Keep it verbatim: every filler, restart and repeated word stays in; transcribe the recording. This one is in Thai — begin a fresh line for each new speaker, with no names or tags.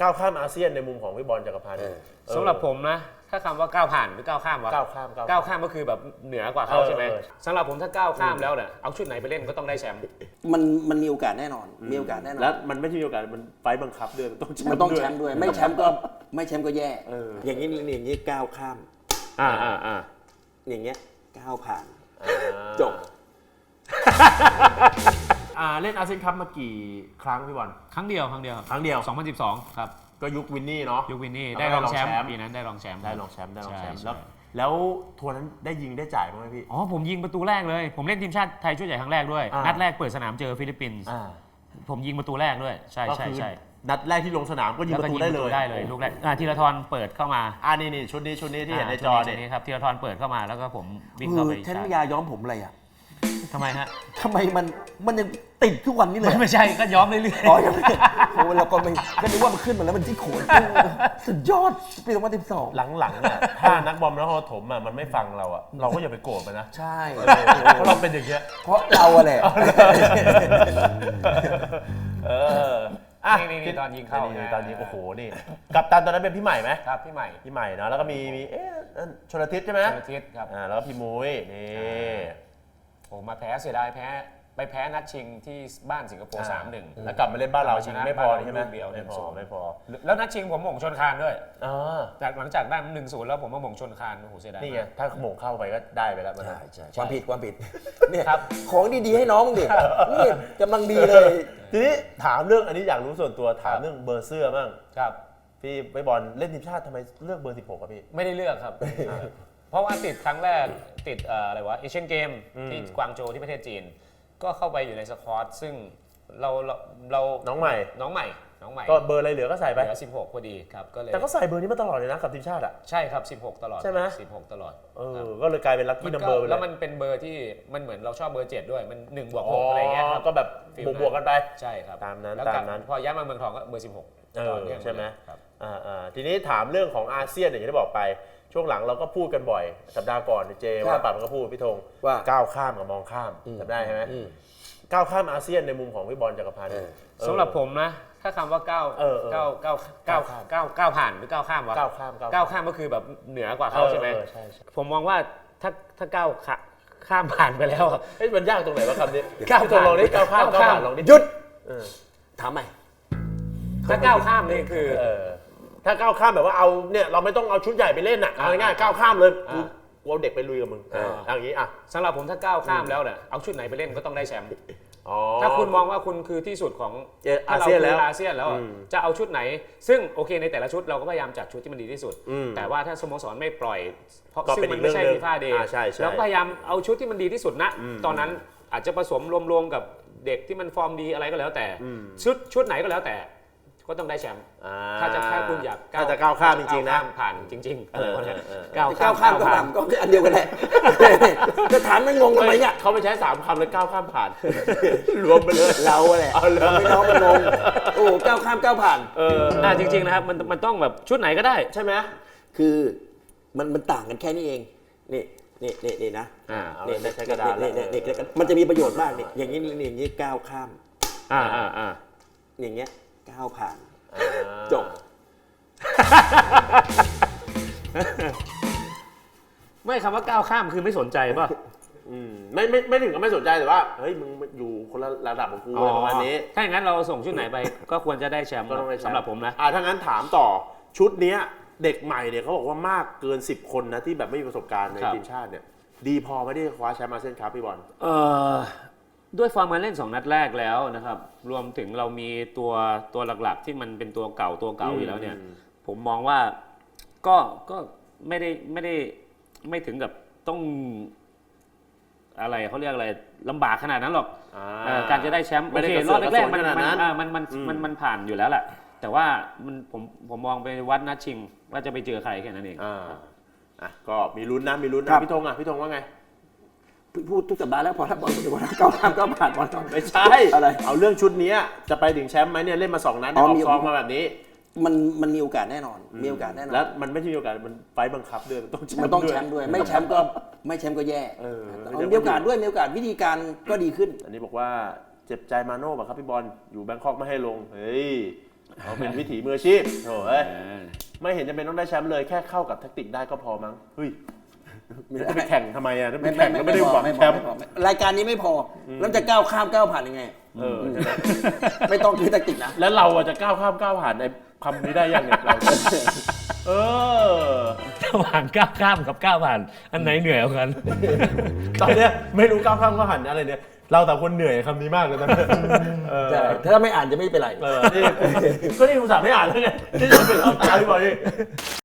ก้าวข้ามอาเซียนในมุมของพี่บอลจักรพันธ์
สำหรับผมนะถ้าคำว่าก้าวผ่านหรือก้าวข้ามวะ
ก้าวข้าม
ก้าวข้ามก็คือแบบเหนือกว่าเขาใช่ไหมสำหรับผมถ้าก้าวข้ามแล้วเนี่ยเอาชุดไหนไปเล่นก็ต้องได้แชมป์
มันมันมีโอกาสแน่นอนมีโอกาสแน่นอน
แล้วมันไม่ใช่มีโอกาสมันไฟบังคับด้วยมันต้องแชมป์
มันต้องแชมป์ด้วยไม่แชมป์ก็ไม่แชมป์ก็แย่อย่างนี้อย่างนี้ก้าวข้าม
อ่าอ่าอ่า
อย่างเงี้ยก้าวผ่านจบ
อ่าเล่นอาเซียนคัพมากี่ครั้งพี่บอล
ครั้งเดียวครั้งเดียว
ครั้งเดียว
สองพันสิบสองครับ
ก็ยุควินนี่เนาะ
ยุควินนี่ได้รองแชมป์ปีนั้นได้รองแชมป์
ได้รองแชมป์ได้รองแชมป์แล้วแล้วทัวร์นั้นได้ยิงได้จ่ายไหมพี่
อ๋อผมยิงประตูแรกเลยผมเล่นทีมชาติไทยชุดใหญ่ครั้งแรกด้วยนัดแรกเปิดสนามเจอฟิลิปปินส์ผมยิงประตูแรกด้วยใช่ใช่ใช่
นัดแรกที่ลงสนามก็ยิงประตูได้เลย
ได้เลยลูกแรกธีรทรเปิดเข้ามา
อ่านี่นี่ชุดนี้ชุดนี้ที่เห็นในจอ
เนี่ยครับธีรทรเปิดเข้ามาแล้วก็ผมวิ่งเข้าไป
แทนยาย้อมผมอะไรอ่ะ
ทำไมฮะ
ทำไมมันมันยังติดทุกวันนี้เลย
ไม่ใช่ก็ย้อมเรื่อยๆ
อ๋อยังไม่โอ้เราก็ไม่ก็นึกว่ามันขึ้นมาแล้วมันที่โขนสุดยอดปีสองพันสิบสอง
หลังๆเนี่ยถ้านักบอลนักโถมอ่ะมันไม่ฟังเราอ่ะเราก็อย่าไปโกรธมันนะ
ใช่
เพราะเราเป็นอย่างเงี้ย
เพราะเราอะแหละ
เออ
นี่นี่ตอนยิงเข้า
ตอนยิงโอ้โหนี่กัปตันตอนนั้นเป็นพี่ใหม่ไหม
ครับพี่ใหม่
พี่ใหม่เนาะแล้วก็มีมีเอ๊ะชลทิศใช่ไหม
ชลทิศครับ
อ่าแล้วก็พี่มุ้ยนี่
โอ้มาแพ้เสียดายแพ้ไปแพ้นัดชิงที่บ้านสิงคโปร์ สามหนึ่ง
แล้วกลับมาเล่นบ้านเราชิงไม่พอใช่ไหม
ไม่พอ
ไม่พอ
แล้วนัดชิงผมหม่งชนคานด้วย
จาก
หลังจากได้หนึ่งศูนย์แล้วผมมาหม่งชนคานโอ้โหเสียดาย
นี่ไงถ้าหม่งเข้าไปก็ได้ไปแล้ว
ใช่ใช่ความผิดความผิดเนี่ย
ครับ
ของดีๆให้น้องดินี่กำลังดีเลย
ทีนี้ถามเรื่องอันนี้อยากรู้ส่วนตัวถามเรื่องเบอร์เสื้อบ้าง
ครับ
พี่ไปบอลเล่นทีมชาติทำไมเลือกเบอร์สิบหกครับพี่
ไม่ได้เลือกครับเพราะว่าติดครั้งแรกติดอะไรวะเอเชียนเกมที่กวางโจวที่ประเทศจีนก็เข้าไปอยู่ในสควอตซึ่งเราเราเรา
น้องใหม่
น้องใหม่น้องใหม่
ก็เบอร์อะไรเหลือก็ใส่ไป
เหลือสิบหกพอดีครับก็เลย
แต่ก็ใส่เบอร์นี้มาตลอดเลยนะกับทีมชาติอ่ะ
ใช่ครับสิบหกตลอด
ใช่ไหม
สิบหกตลอด
เออก็เลยกลายเป็นลัคกี้นัมเบอร์
แล้วมันเป็นเบอร์ที่มันเหมือนเราชอบเบอร์เจ็ดด้วยมันหนึ่งบวกหกอะไรเงี้ย
ก็แบบบวกๆกันไป
ใช่ครับ
ตามนั้น
ตามนั้นพอย้ายมาเมืองทองก็เบอร์สิบหก
เออใช่ไหมครับอ่าทีนี้ถามเรื่องของอาเซียนอย่างที่ได้บอกไปช่วงหลังเราก็พูดกันบ่อยสัปดาห์ก่อนเจว่าปัดมันก็พูดพี่ธงว่าก้าวข้ามกับมองข้ามจำได้ใช่ไหมก้าวข้ามอาเซียนในมุมของพี่บอลจักรพันธ์
สำหรับผมนะถ้าคำว่าก้าวก้าวก้าวก้าวก้าวก้าวผ่านหรือก้าวข้ามวะ
ก้าวข้าม
ก้าวข้ามก็คือแบบเหนือกว่าเขาใช่ไหมผมมองว่าถ้าถ้าก้าวข้ามผ่านไปแล้ว
เฮ้ยมันยากตรงไหนวะคำนี้ก้าวลองนี้ก้าวข้ามก้าวผ่านลองนี้
หยุดถามใหม่
ถ้าก้าวข้ามนี่คือ
ถ้าก้าวข้ามแบบว่าเอาเนี่ยเราไม่ต้องเอาชุดใหญ่ไปเล่นน่ะเอาง่ายๆก้าวข้ามเลยกูเอาเด็กไปลุยกับมึงอย่างนี้อ่ะ
สำหรับผมถ้าก้าวข้ามแล้วเนี่ยเอาชุดไหนไปเล่นก็ต้องได้แชมป์ถ้าคุณมองว่าคุณคือที่สุดของ
อาเซียนแล้ว
อาเซียนแล้วจะเอาชุดไหนซึ่งโอเคในแต่ละชุดเราก็พยายามจัดชุดที่มันดีที่สุดแต่ว่าถ้าสโมสรไม่ปล่อยเพราะซึ่งมันไม่ใช่ฟีฟ่าเดย์เราพยายามเอาชุดที่มันดีที่สุดนะตอนนั้นอาจจะผสมรวมๆกับเด็กที่มันฟอร์มดีอะไรก็แล้วแต่ชุดชุดไหนก็แล้วแต่ก็ต้องได้แชมป์ถ้าจะถ้าคุณอยาก
ถ้าจะก้าวข้ามจริงๆนะ
ผ่านจริงๆ
ก้าวข้ามก้าวข้ามก็อันเดียวกันแหละจะถามไม่งงทำไมเนี่ย
เขาไม่ใช้สามคำเลยก้าวข้ามผ่านรวมไปเลย
เราแหละไม่น้องมันงงโอ้ก้าวข้ามก้าวผ่าน
เออจริงๆนะครับมันมันต้องแบบชุดไหนก็ได้
ใช่ไหม
คือมันมันต่างกันแค่นี้เองนี่นี่นี่นี่นะ
นี่ใช้กระดาษ
นี่นี่มันจะมีประโยชน์มากนี่อย่างนี้อย่างนี้ก้าวข้าม
อ่าอ่าอ่า
อย่างเงี้ยก้าวผ่านจบ
ไม่คำว่าก้าวข้ามคือไม่สนใจป่ะ
ไม่ไม่ไม่ถึงกับไม่สนใจแต่ว่าเฮ้ยมึงอยู่คนละระดับของกูอะไรประมาณนี้
ถ้าอย่างนั้นเราส่งชุดไหนไปก็ควรจะได้แชมป์สำหรับผมนะ
อ่าถ้างั้นถามต่อชุดนี้เด็กใหม่เนี่ยเขาบอกว่ามากเกินสิบคนนะที่แบบไม่มีประสบการณ์ในทีมชาติเนี่ยดีพอไม่ได้คว้าแชมป์อาเซียนคัพพี่บอล
เออด้วยฟอร์มการเล่นสองนัดแรกแล้วนะครับรวมถึงเรามีตัวตัวหลักๆที่มันเป็นตัวเก่าตัวเก่าอยู่แล้วเนี่ยผมมองว่าก็ก็ไม่ได้ไม่ได้ไม่ถึงกับต้องอะไรเขาเรียกอะไรลำบากขนาดนั้นหรอกการจะได้แชมป์โอเครอบแรกๆมันมันมันมันมันผ่านอยู่แล้วแหละแต่ว่ามันผมผมมองไปวัดนัดชิงว่าจะไปเจอใครแค่นั้นเอง
อ่ะก็มีลุ้นนะมีลุ้นนะพี่ธงอ่ะพี่ธงว่าไง
พูดทุกสัปดาห์แล้วพอถ้าบอลถือว่าก้าวข้ามก้าวผ่านบอลต้อง
ไม่ใช่อะไรเอาเรื่องชุดนี้จะไปถึงแชมป์ไหมเนี่ยเล่นมาสองนัดออกซองมาแบบนี้
มันมันมีโอกาสแน่นอนมีโอกาสแน่นอน
แล้วมันไม่ใช่มีโอกาสมันไฟบังคับด้วยมันต้อง
มันต้องแชมป์ด้วยไม่แชมป์ก็ไม่แชมป์ก็แย่มีโอกาสด้วยมีโอกาสวิธีการก็ดีขึ้น
อันนี้บอกว่าเจ็บใจมาโน่ป่ะครับพี่บอลอยู่แบงคอกไม่ให้ลงเฮ้ยเขาเป็นวิถีมืออาชีพโถ่เอ้ยไม่เห็นจะเป็นต้องได้แชมป์เลยแค่เข้ากับแทคติกได้ก็พอมั้งเฮ้ยจะไปแข่งทำไมอ่ะถ้าไปแข่งก็ไม่ได้หวังแชมป์
รายการนี้ไม่พอแล้วจะก้าวข้ามก้าวผ่านยังไง
เออใช่ไหม
ไม่ต้องคือแทคติกนะ
แล้วเราจะก้าวข้ามก้าวผ่านในคำนี้ได้ยังเนี่ยเราเออ
ระหว่างก้าวข้ามกับก้าวผ่านอันไหนเหนื่อยกว่ากัน
ตอนเนี้ยไม่รู้ก้าวข้ามก้าวผ่านอะไรเนี่ยเราแต่คนเหนื่อยคำนี้มากเลยตอนนี้เออ
ใช่ถ้าไม่อ่านจะไม่เป็นไร
เออนี่ก็นี่อุตส่าห์ไม่อ่านแล้วไงนี่จะเป็นเอาใจบ่อย